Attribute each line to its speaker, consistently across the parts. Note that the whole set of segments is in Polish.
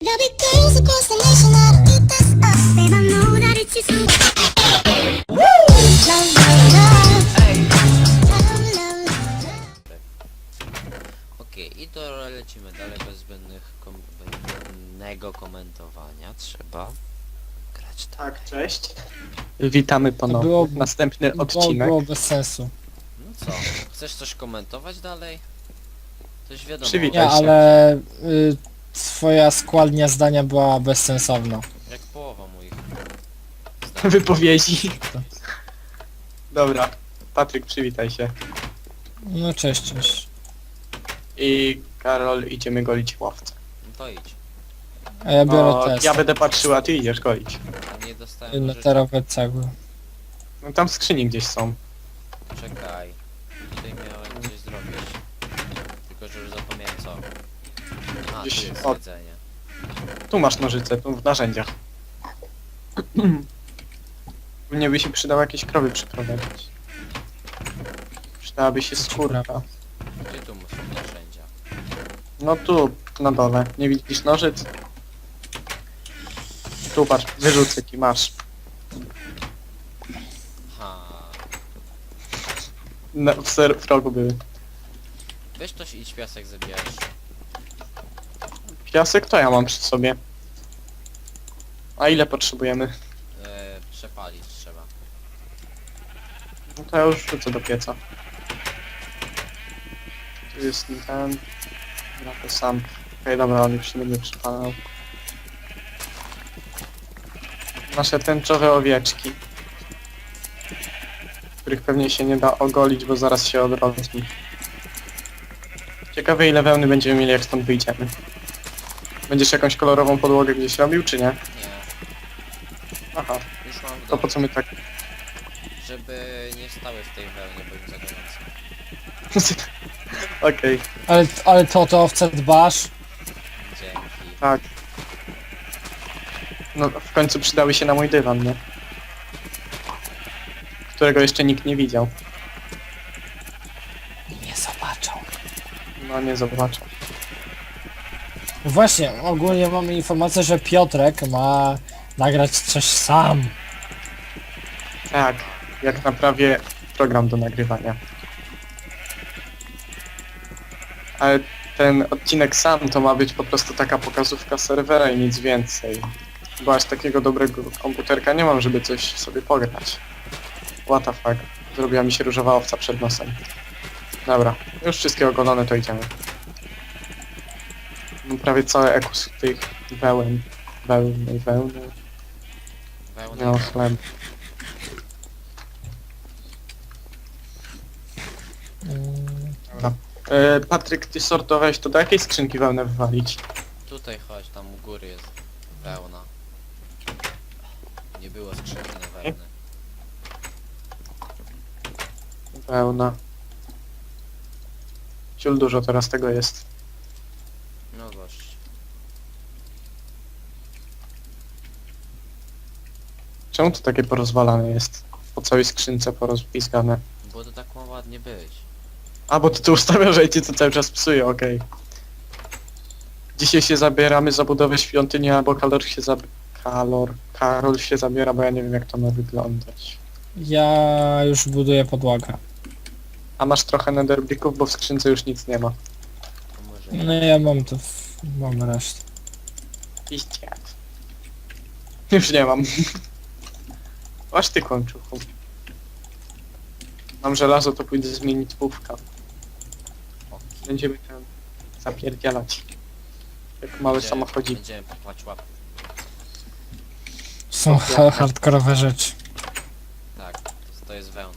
Speaker 1: There'll be girls across the nation that'll eat this up. Babe, I know that it's just love, love,
Speaker 2: Okej, i to lecimy dalej bez zbędnego komentowania. Trzeba grać tak.
Speaker 3: Tak, cześć. Witamy ponownie.
Speaker 4: było-
Speaker 3: Następny
Speaker 4: To
Speaker 3: odcinek.
Speaker 4: było bez sensu.
Speaker 2: No co, chcesz coś komentować dalej? Coś wiadomo.
Speaker 3: Przywitaj.
Speaker 4: Nie,
Speaker 3: się.
Speaker 4: ale twoja składnia zdania była bezsensowna.
Speaker 2: Jak połowa moich.
Speaker 3: Wypowiedzi. Dobra, Patryk, przywitaj się.
Speaker 4: No cześć, cześć.
Speaker 3: I Karol, idziemy golić łowcę.
Speaker 2: No to idź.
Speaker 4: A ja biorę
Speaker 3: O,
Speaker 4: test.
Speaker 3: ja będę patrzył, a ty idziesz golić.
Speaker 2: Tam nie dostałem rzeczy.
Speaker 4: Neterowe cegły.
Speaker 3: No tam skrzyni gdzieś są.
Speaker 2: Czekaj. Tutaj miałem coś zrobić. Tylko, że już zapomniałem co. A,
Speaker 3: Gdzieś
Speaker 2: tu jest
Speaker 3: od-
Speaker 2: jedzenie.
Speaker 3: Tu masz nożyce, tu w narzędziach. Mnie by się przydało jakieś krowy przyprowadzić. Przydałaby się skórka.
Speaker 2: Gdzie tu są narzędzia?
Speaker 3: No tu, na dole. Nie widzisz nożyc? Tu patrz, wyrzucę ci, masz.
Speaker 2: Ha.
Speaker 3: W rogu były.
Speaker 2: Weź coś idź piasek zabierz.
Speaker 3: Piasek to ja mam przy sobie. A ile potrzebujemy?
Speaker 2: Przepalić trzeba.
Speaker 3: No to ja już wrzucę do pieca. Tu jest ten... Ja to sam. Okej, dobra, on już nie będzie przypalał. Nasze tęczowe owieczki. Których pewnie się nie da ogolić, bo zaraz się odrodzi. Ciekawe ile wełny będziemy mieli, jak stąd wyjdziemy. Będziesz jakąś kolorową podłogę gdzieś robił, czy nie?
Speaker 2: Nie,
Speaker 3: Aha,
Speaker 2: już mam w
Speaker 3: to
Speaker 2: domu.
Speaker 3: po co my tak...
Speaker 2: Żeby nie stały w tej wełnie, bo im za gorąco.
Speaker 3: Okej,
Speaker 4: Ale to owce dbasz?
Speaker 2: Dzięki.
Speaker 3: tak. No w końcu przydały się na mój dywan, nie? Którego jeszcze nikt nie widział.
Speaker 4: Nie zobaczą.
Speaker 3: No nie zobaczę.
Speaker 4: Właśnie, ogólnie mamy informację, że Piotrek ma nagrać coś sam.
Speaker 3: Tak, jak naprawię program do nagrywania. Ale ten odcinek sam to ma być po prostu taka pokazówka serwera i nic więcej. Bo aż takiego dobrego komputerka nie mam, żeby coś sobie pograć. What the fuck. Zrobiła mi się różowa owca przed nosem. Dobra, już wszystkie ogolone, to idziemy. Mam prawie całe ekus tych wełen. Wełny.
Speaker 2: Wełna.
Speaker 3: No chleb. Dobra. Patryk, ty sortowałeś to do jakiej skrzynki wełnę wywalić?
Speaker 2: Tutaj chodź, tam u góry jest wełna. Nie było skrzynki na wełnę.
Speaker 3: Wełna. Ciul dużo teraz tego jest.
Speaker 2: No gość.
Speaker 3: Czemu to takie porozwalane jest? Po całej skrzynce porozpizgane.
Speaker 2: Bo to tak ma ładnie być.
Speaker 3: A, bo ty tu ustawiasz, że ci to cały czas psuje, okej. Dzisiaj się zabieramy za budowę świątyni, albo Karol się zabiera, bo ja nie wiem jak to ma wyglądać.
Speaker 4: Ja już buduję podłogę.
Speaker 3: A masz trochę netherbricków, bo w skrzynce już nic nie ma.
Speaker 2: To może
Speaker 4: No ja mam to, mam resztę.
Speaker 3: Iść jak. Już nie mam. Aż ty kończuchu. Mam żelazo, to pójdę zmienić łówka. Będziemy tam zapierdzielać. Jak małe samochodzi.
Speaker 2: Będziemy popłać łapy.
Speaker 4: Są hardkorowe rzeczy.
Speaker 2: Tak, to jest wełna.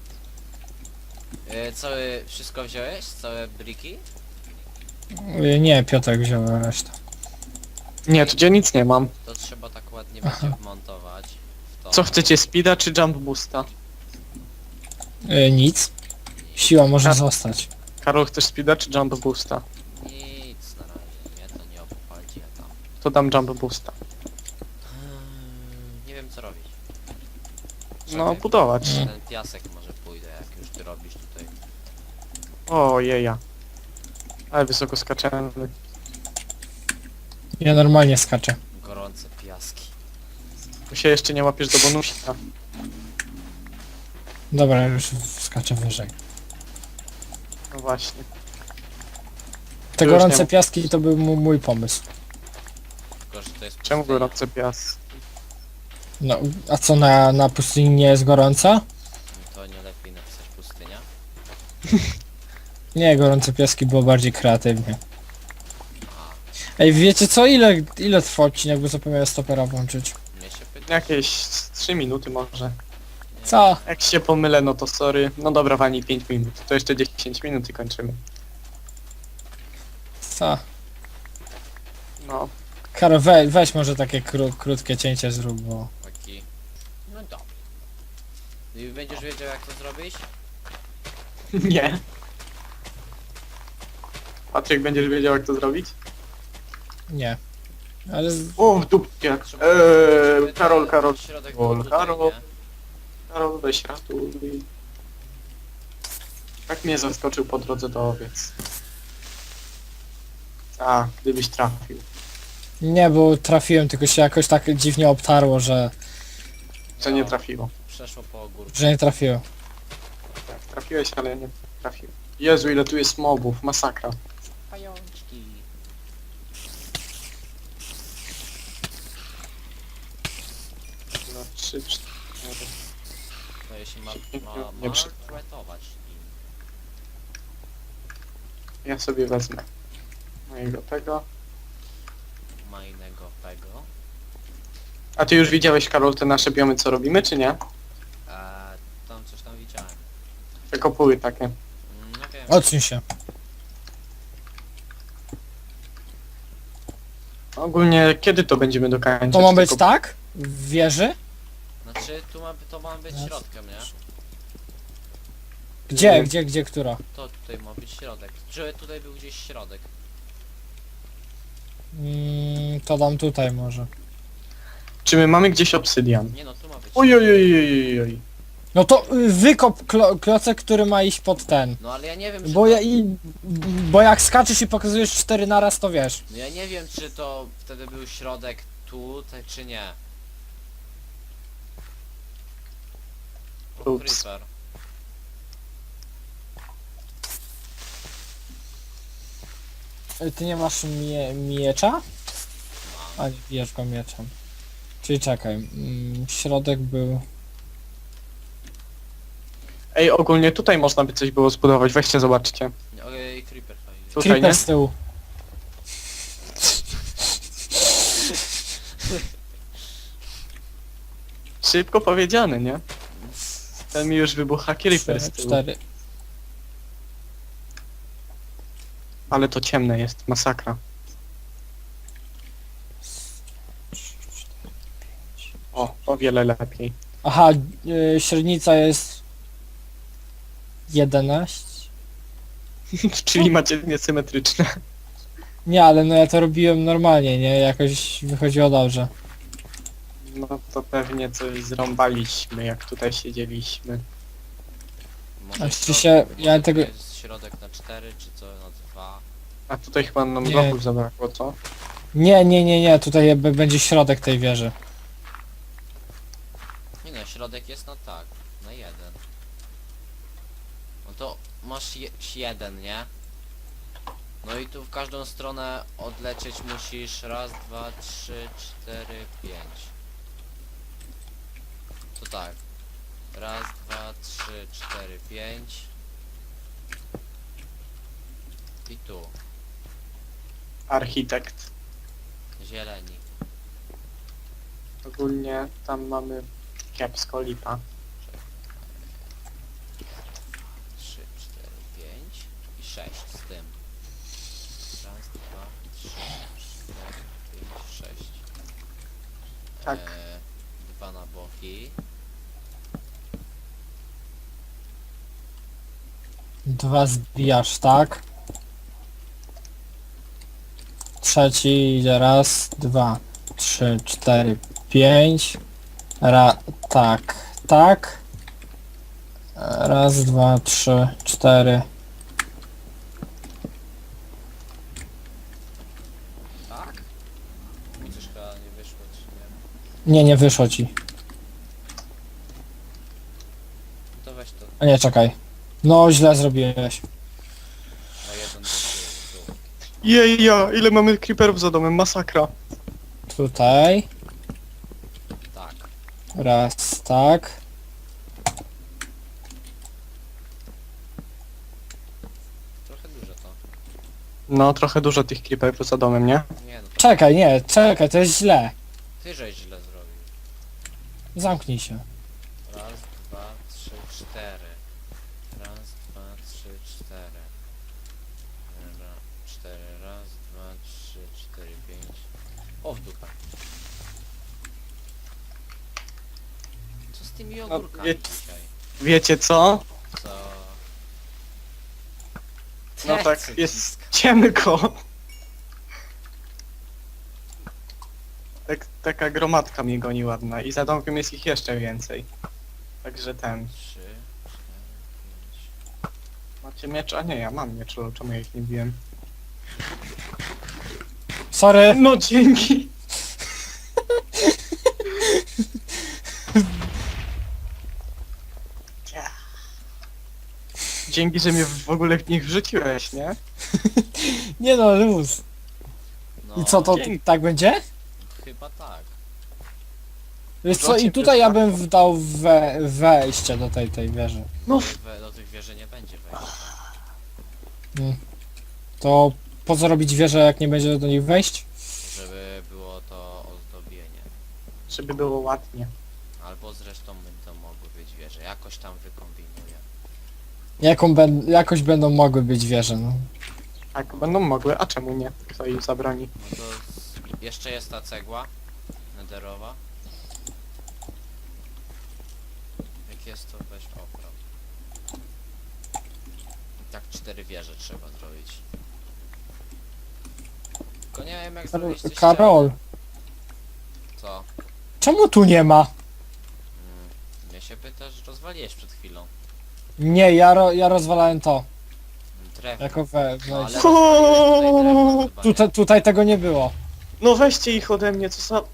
Speaker 2: Wszystko wziąłeś? Całe briki?
Speaker 4: Nie, Piotrek wziął resztę.
Speaker 3: Nie, tu gdzie nic nie mam.
Speaker 2: To trzeba tak ładnie będzie wmontować w to.
Speaker 3: Co chcecie, speeda czy jump boosta?
Speaker 4: Nic. Siła może zostać.
Speaker 3: Karol, chcesz speeda czy jump boosta?
Speaker 2: Nic na razie, mnie to nie obchodzi, ja tam.
Speaker 3: To dam jump boosta.
Speaker 2: Nie wiem co robić.
Speaker 3: No,
Speaker 2: Czekaj,
Speaker 3: budować.
Speaker 2: ten piasek może pójdę, jak już ty robisz tutaj.
Speaker 3: O jeja. Ale wysoko skaczemy.
Speaker 4: Ja normalnie skaczę.
Speaker 2: Gorące piaski.
Speaker 3: Tu się jeszcze nie łapiesz do bonusika.
Speaker 4: Dobra, już skaczę wyżej.
Speaker 3: No właśnie.
Speaker 4: Te
Speaker 3: Już nie
Speaker 4: gorące
Speaker 3: ma.
Speaker 4: piaski to był mój pomysł.
Speaker 2: Tylko, że to jest
Speaker 3: Czemu
Speaker 2: pustynia.
Speaker 3: gorące pias?
Speaker 4: No, a co na pustyni nie jest gorąco?
Speaker 2: To nie lepiej napisać pustynia?
Speaker 4: Nie, gorące piaski było bardziej kreatywnie. Ej, wiecie co? Ile trwa odcinek, bo zapomniałem stopera włączyć?
Speaker 2: Mnie się pyta.
Speaker 3: Jakieś 3 minuty może.
Speaker 4: Co?
Speaker 3: Jak się pomylę, no to sorry. No dobra, wani 5 minut. To jeszcze 10 minut i kończymy.
Speaker 4: Co?
Speaker 3: No.
Speaker 4: Karol, weź może takie krótkie cięcie zrób, bo...
Speaker 2: Taki... No dobra. I będziesz wiedział jak to zrobić?
Speaker 3: Nie. Patryk, będziesz wiedział jak to zrobić?
Speaker 4: Nie. Ale...
Speaker 3: O, w dupie. Karol, Karol.
Speaker 2: Środek
Speaker 3: Karol,
Speaker 2: był tutaj,
Speaker 3: Karol.
Speaker 2: nie?
Speaker 3: Karol, weź ratuj. Tak mnie zaskoczył po drodze do owiec. A, gdybyś trafił.
Speaker 4: Nie, bo trafiłem, tylko się jakoś tak dziwnie obtarło, że
Speaker 3: Co nie trafiło.
Speaker 2: Przeszło po ogórku.
Speaker 4: nie trafiło.
Speaker 3: Tak, trafiłeś, ale nie trafił. Jezu, ile tu jest mobów, masakra.
Speaker 2: Pajączki.
Speaker 3: No, 3, 4.
Speaker 2: To jeśli
Speaker 3: Nie
Speaker 2: ma
Speaker 3: przy-
Speaker 2: ratować im.
Speaker 3: Ja sobie wezmę mojego tego.
Speaker 2: Majnego tego.
Speaker 3: A ty już widziałeś, Karol, te nasze biomy, co robimy, czy nie?
Speaker 2: Tam coś tam widziałem.
Speaker 3: Te kopuły takie.
Speaker 2: No wiem.
Speaker 4: Odsuń się.
Speaker 3: Ogólnie, kiedy to będziemy dokończać?
Speaker 4: To ma być
Speaker 3: Tylko-
Speaker 4: tak? W wieży?
Speaker 2: Znaczy, to ma być środkiem, nie?
Speaker 4: Gdzie, która?
Speaker 2: To tutaj ma być środek. Żeby tutaj był gdzieś środek.
Speaker 4: To dam tutaj może.
Speaker 3: Czy my mamy gdzieś obsydian?
Speaker 2: Nie no, tu ma być.
Speaker 3: Oj, oj, oj, oj, oj.
Speaker 4: No to wykop klocek, który ma iść pod ten.
Speaker 2: No ale ja nie wiem, czy
Speaker 4: Bo,
Speaker 2: to...
Speaker 4: bo jak skaczesz i pokazujesz 4 naraz, to wiesz.
Speaker 2: No ja nie wiem, czy to wtedy był środek tutaj, czy nie. O,
Speaker 3: Ups.
Speaker 2: creeper.
Speaker 4: Ty nie masz miecza? A nie, bijesz go mieczem. Czyli czekaj, środek był...
Speaker 3: Ej, ogólnie tutaj można by coś było zbudować, weźcie zobaczcie.
Speaker 2: Ojej, creeper fajnie.
Speaker 3: Tutaj,
Speaker 4: Creeper
Speaker 3: nie?
Speaker 4: z tyłu.
Speaker 3: Szybko powiedziane, nie? Ten mi już wybucha creeper z tyłu.
Speaker 4: 4.
Speaker 3: Ale to ciemne jest, masakra. O wiele lepiej.
Speaker 4: Aha, średnica jest 11.
Speaker 3: Czyli macie niesymetryczne.
Speaker 4: Nie, ale no ja to robiłem normalnie, nie? Jakoś wychodziło dobrze.
Speaker 3: No to pewnie coś zrąbaliśmy, jak tutaj siedzieliśmy.
Speaker 2: Może
Speaker 4: A czy
Speaker 2: środek-
Speaker 4: się-
Speaker 2: może
Speaker 4: ja
Speaker 2: to
Speaker 4: tego-
Speaker 2: jest środek na 4, czy co na 2.
Speaker 3: A tutaj chyba nam
Speaker 4: Nie.
Speaker 3: bloków zabrakło, co?
Speaker 4: Nie, tutaj będzie środek tej wieży.
Speaker 2: Nie no, środek jest na tak, na 1. No to masz 1, nie? No i tu w każdą stronę odlecieć musisz raz, 2, 3, 4, 5. To tak. Raz, 2, 3, 4, 5. I tu.
Speaker 3: Architekt.
Speaker 2: Zieleni.
Speaker 3: Ogólnie tam mamy kiepsko lipa.
Speaker 2: 3, 4, 5 i 6 z tym. Raz, 2, 3, 4, 5, 6.
Speaker 3: Tak.
Speaker 2: 2 na boki.
Speaker 4: 2 zbijasz, tak? Trzeci idzie raz, 2, 3, 4, 5. Tak. Raz, 2, 3, 4.
Speaker 2: Tak?
Speaker 4: Nie wyszło ci.
Speaker 2: To weź to
Speaker 4: A nie, czekaj. No, źle zrobiłeś.
Speaker 2: na jeden do tyłu.
Speaker 3: Jej, ja, ile mamy creeperów za domem, masakra.
Speaker 4: Tutaj.
Speaker 2: Tak.
Speaker 4: Raz, tak.
Speaker 2: Trochę duże to.
Speaker 3: No, trochę dużo tych creeperów za domem, nie?
Speaker 2: Nie no, to
Speaker 4: Czekaj, nie, czekaj, to jest źle.
Speaker 2: ty żeś źle zrobił.
Speaker 4: Zamknij się.
Speaker 2: Raz, dwa, trzy, cztery. Raz, dwa, trzy, cztery. Cztery, raz, dwa, trzy, cztery, pięć. O, w dupę. Co z tymi ogórkami
Speaker 3: wie-
Speaker 2: dzisiaj?
Speaker 3: Wiecie co?
Speaker 2: Co?
Speaker 3: No
Speaker 2: Jak
Speaker 3: tak,
Speaker 2: co
Speaker 3: jest
Speaker 2: ciska?
Speaker 3: ciemko. Taka gromadka mnie goni ładna i za domkiem jest ich jeszcze więcej. Także ten.
Speaker 2: Trzy, cztery, pięć.
Speaker 3: Macie miecz? A nie, ja mam miecz, lol, czemu ja ich nie biłem?
Speaker 4: Sorry.
Speaker 3: No dzięki! Dzięki, że mnie w ogóle w nich wrzuciłeś, nie?
Speaker 4: Nie no, luz.
Speaker 2: No,
Speaker 4: I co, to
Speaker 3: dzięki.
Speaker 4: tak będzie?
Speaker 2: chyba tak.
Speaker 4: Wiesz co, i tutaj ja bym wdał wejście do tej wieży.
Speaker 3: No,
Speaker 2: Do tych wieży nie będzie wejścia.
Speaker 4: To po co robić wieżę, jak nie będzie do nich wejść?
Speaker 2: Żeby było to ozdobienie.
Speaker 3: żeby było ładnie.
Speaker 2: Albo zresztą będą mogły być wieże. Jakoś tam wykombinuję.
Speaker 4: Jakoś będą mogły być wieże, no.
Speaker 3: Tak, będą mogły, a czemu nie? Kto im zabroni?
Speaker 2: No to jeszcze jest ta cegła nederowa. Jak jest to weź opraw. Tak 4 wieże trzeba zrobić. Tylko nie wiem jak zrobić te ściany.
Speaker 4: Karol,
Speaker 2: Co?
Speaker 4: czemu tu nie ma?
Speaker 2: Mnie się pytasz, rozwaliłeś przed chwilą.
Speaker 4: Nie, ja rozwalałem to.
Speaker 2: Drewno.
Speaker 4: Jako
Speaker 2: No ale
Speaker 4: wejście.
Speaker 2: rozwaliłeś tutaj drewno chyba, nie?
Speaker 4: Tutaj tego nie było.
Speaker 3: No weźcie ich ode mnie, co za...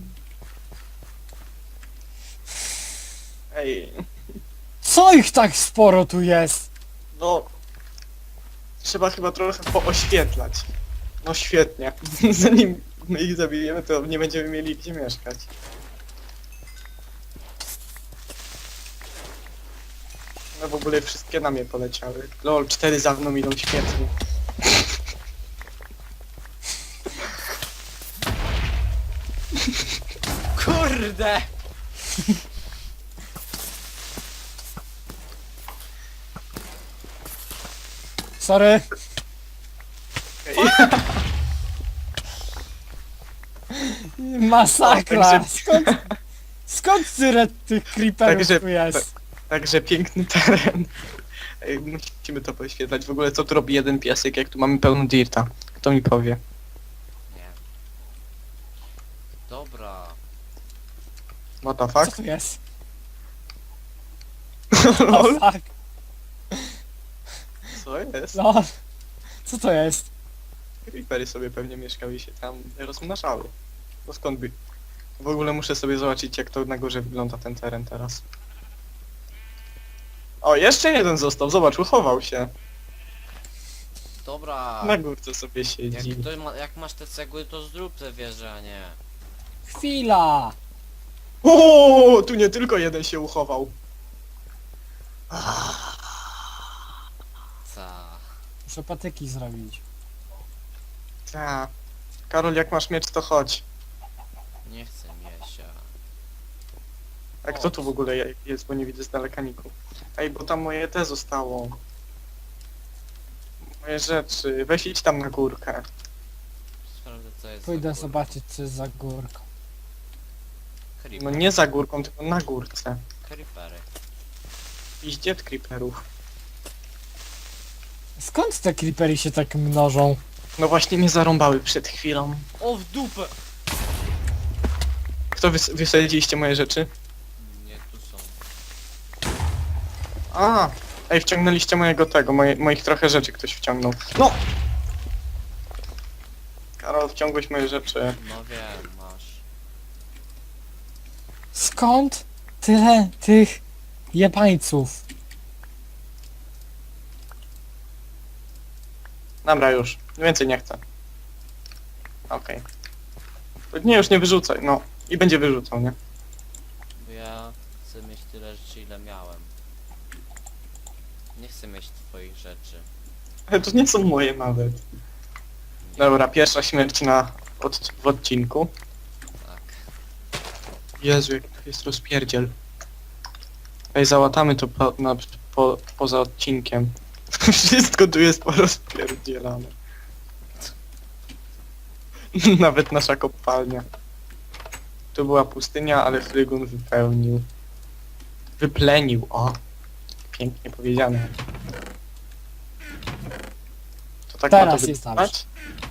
Speaker 3: Ej,
Speaker 4: Co ich tak sporo tu jest?
Speaker 3: no... Trzeba chyba trochę pooświetlać. No świetnie. Zanim my ich zabijemy, to nie będziemy mieli gdzie mieszkać. No w ogóle wszystkie na mnie poleciały. Lol, 4 za mną idą świetnie.
Speaker 2: Kurde!
Speaker 4: Sorry. Masakra.
Speaker 3: Także-
Speaker 4: Skąd tyle tych creeperów
Speaker 3: Także-
Speaker 4: tu jest?
Speaker 3: Także piękny teren. Ej, musimy to poświetlać. W ogóle co tu robi jeden piesek, jak tu mamy pełno dirta? Kto mi powie?
Speaker 2: Nie. Dobra.
Speaker 3: What the
Speaker 4: Co
Speaker 3: fuck?
Speaker 4: tu jest?
Speaker 3: Lol,
Speaker 4: O fuck.
Speaker 3: co jest?
Speaker 4: Lol. Co to jest?
Speaker 3: Creepery sobie pewnie mieszkały i się tam rozmnażały. No skąd by? W ogóle muszę sobie zobaczyć, jak to na górze wygląda ten teren teraz. O, jeszcze jeden został, zobacz, uchował się.
Speaker 2: Dobra.
Speaker 3: Na górce sobie siedzi.
Speaker 2: Jak masz te cegły, to zrób te wieże, a nie.
Speaker 4: Chwila.
Speaker 3: O, tu nie tylko jeden się uchował.
Speaker 2: Ca.
Speaker 4: Muszę patyki zrobić.
Speaker 3: Ta. Karol, jak masz miecz, to chodź.
Speaker 2: Nie chcę miesia.
Speaker 3: A kto tu w ogóle jest, bo nie widzę z daleka niku. Ej, bo tam moje te zostało. Moje rzeczy. Weź idź tam na górkę.
Speaker 2: Sprawdzę co jest
Speaker 4: Pójdę
Speaker 2: za górką.
Speaker 4: zobaczyć, co jest za górką.
Speaker 3: No
Speaker 2: Creeper.
Speaker 3: nie za górką, tylko na górce.
Speaker 2: Creepery.
Speaker 3: Iździe creeperów.
Speaker 4: Skąd te creepery się tak mnożą?
Speaker 3: No właśnie mnie zarąbały przed chwilą.
Speaker 2: O, w dupę!
Speaker 3: Kto wysadziliście moje rzeczy?
Speaker 2: Nie, tu są.
Speaker 3: A, ej, wciągnęliście mojego tego, moich trochę rzeczy ktoś wciągnął. No! Karol, wciągłeś moje rzeczy.
Speaker 2: No wiem, masz.
Speaker 4: Skąd tyle tych jebańców?
Speaker 3: Dobra, już. Więcej nie chcę. Okej. Nie, już nie wyrzucaj, no. I będzie wyrzucał, nie?
Speaker 2: Bo ja chcę mieć tyle rzeczy, ile miałem. Nie chcę mieć twoich rzeczy.
Speaker 3: Ale to nie są moje nawet. Dobra, pierwsza śmierć w odcinku.
Speaker 2: Tak.
Speaker 3: Jezu, jak to jest rozpierdziel. Ej, załatamy to poza odcinkiem. Wszystko tu jest porozpierdzielane. Nawet nasza kopalnia. Tu była pustynia, ale Frygun wypełnił. Wyplenił, o! Pięknie powiedziane. To tak
Speaker 4: Teraz
Speaker 3: ma to
Speaker 4: jest
Speaker 3: wyglądać?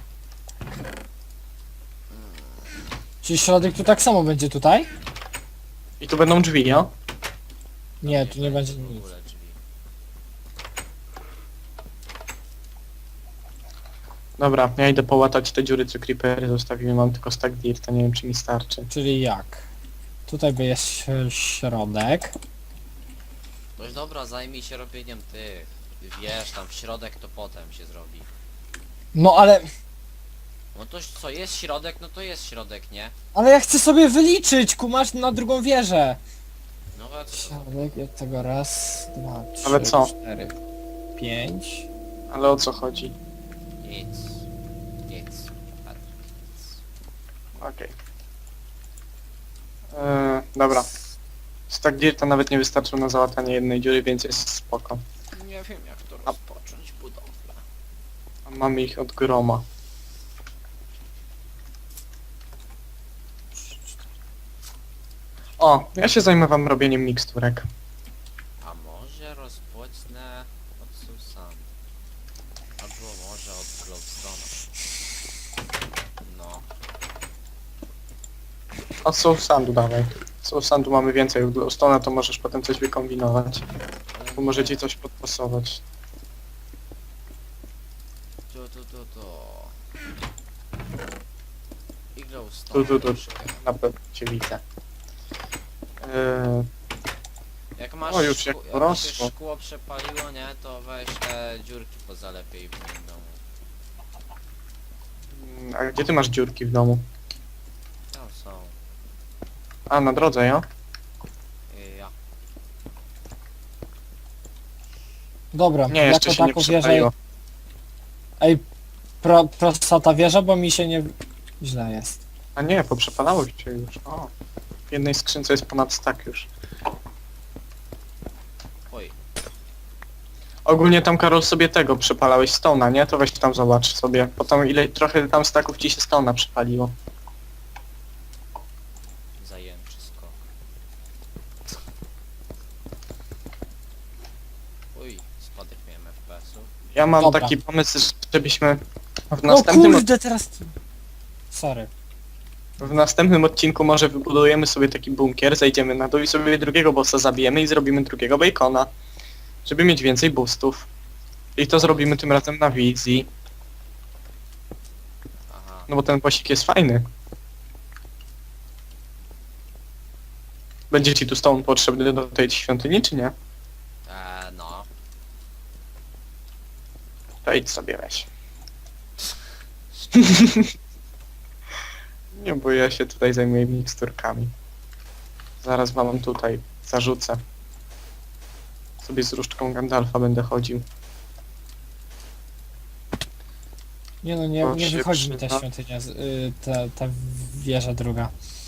Speaker 4: Czyli środek tu tak samo będzie tutaj?
Speaker 3: I tu będą drzwi, o?
Speaker 4: Nie, tu nie będzie
Speaker 2: w
Speaker 4: nic.
Speaker 2: ogóle drzwi.
Speaker 3: Dobra, ja idę połatać te dziury, co creepery zostawiły. Mam tylko stack dirta, nie wiem czy mi starczy.
Speaker 4: Czyli jak? Tutaj by jest środek.
Speaker 2: Dość dobra, zajmij się robieniem tych. Wiesz, tam w środek to potem się zrobi.
Speaker 4: No ale...
Speaker 2: No to co, jest środek, no to jest środek, nie?
Speaker 4: Ale ja chcę sobie wyliczyć, kumasz, na drugą wieżę.
Speaker 2: No ale co?
Speaker 4: Środek, i od tego raz, dwa, trzy,
Speaker 3: Ale co?
Speaker 4: 4, 5.
Speaker 3: Ale o co chodzi?
Speaker 2: Nic. Nic. Patryk, nic.
Speaker 3: Okej. Dobra. Stack dirta nawet nie wystarczył na załatanie jednej dziury, więc jest spoko.
Speaker 2: Nie wiem jak to rozpocząć budowlę.
Speaker 3: A mamy ich od groma. O, ja się zajmę wam robieniem miksturek.
Speaker 2: A może rozpocznę od Susan. Albo może od Glowstone'a. No.
Speaker 3: Od Soul Sandu dawaj. Soul Sandu mamy więcej, od Glowstone'a to możesz potem coś wykombinować.
Speaker 2: Ale
Speaker 3: Bo może
Speaker 2: nie.
Speaker 3: ci coś podpasować.
Speaker 2: To. I Glowstone.
Speaker 3: Tu.
Speaker 2: troszkę.
Speaker 3: Na pewno cię widzę.
Speaker 2: Jak masz
Speaker 3: O, już jak
Speaker 2: jak
Speaker 3: porosło.
Speaker 2: się szkło przepaliło, nie, to weź te dziurki pozalepiej w moim domu.
Speaker 3: A gdzie ty masz dziurki w domu?
Speaker 2: Tam są.
Speaker 3: A, na drodze, ja?
Speaker 2: Ja.
Speaker 4: Dobra,
Speaker 3: Nie, jeszcze
Speaker 4: jako
Speaker 3: się nie
Speaker 4: taką wieżę...
Speaker 3: przepaliło.
Speaker 4: Ej, prosta ta wieża, bo mi się nie... Źle jest.
Speaker 3: A nie, poprzepalało się już. O. W jednej skrzynce jest ponad stack już.
Speaker 2: Oj.
Speaker 3: Ogólnie tam, Karol, sobie tego przepalałeś Stone'a, nie? To weź tam zobacz sobie. Potem ile trochę tam stacków ci się Stone'a przepaliło.
Speaker 2: Zajęczy skok. Uj, spadek miałem FPS-ów.
Speaker 3: Ja mam
Speaker 4: Dobra.
Speaker 3: taki pomysł, żebyśmy w
Speaker 4: No
Speaker 3: następnym,
Speaker 4: kurde, teraz... Sorry.
Speaker 3: w następnym odcinku może wybudujemy sobie taki bunkier, zejdziemy na dół i sobie drugiego bossa zabijemy i zrobimy drugiego bacona. Żeby mieć więcej boostów. I to zrobimy tym razem na wizji.
Speaker 2: Aha.
Speaker 3: No bo ten bossik jest fajny. Będzie ci tu Stone potrzebny do tej świątyni, czy nie?
Speaker 2: No.
Speaker 3: To idź sobie weź. Nie, bo ja się tutaj zajmuję miksturkami. Zaraz wam tutaj zarzucę. Sobie z różdżką Gandalfa będę chodził.
Speaker 4: Nie no,
Speaker 3: To
Speaker 4: nie
Speaker 3: się
Speaker 4: wychodzi mi ta
Speaker 3: przyda.
Speaker 4: świątynia, ta wieża druga.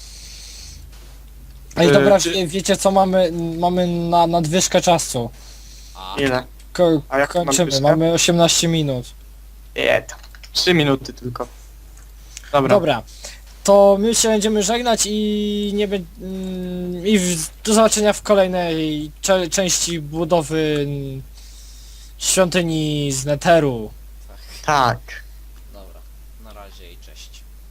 Speaker 4: Ej, dobra, wiecie co, mamy na nadwyżkę czasu.
Speaker 2: A.
Speaker 3: Ile? A jak
Speaker 4: Kończymy,
Speaker 3: nadwyżkę?
Speaker 4: mamy 18 minut.
Speaker 3: Tam. 3 minuty tylko. Dobra.
Speaker 4: Dobra, to my się będziemy żegnać i nie do zobaczenia w kolejnej części budowy świątyni z Netheru.
Speaker 3: Tak.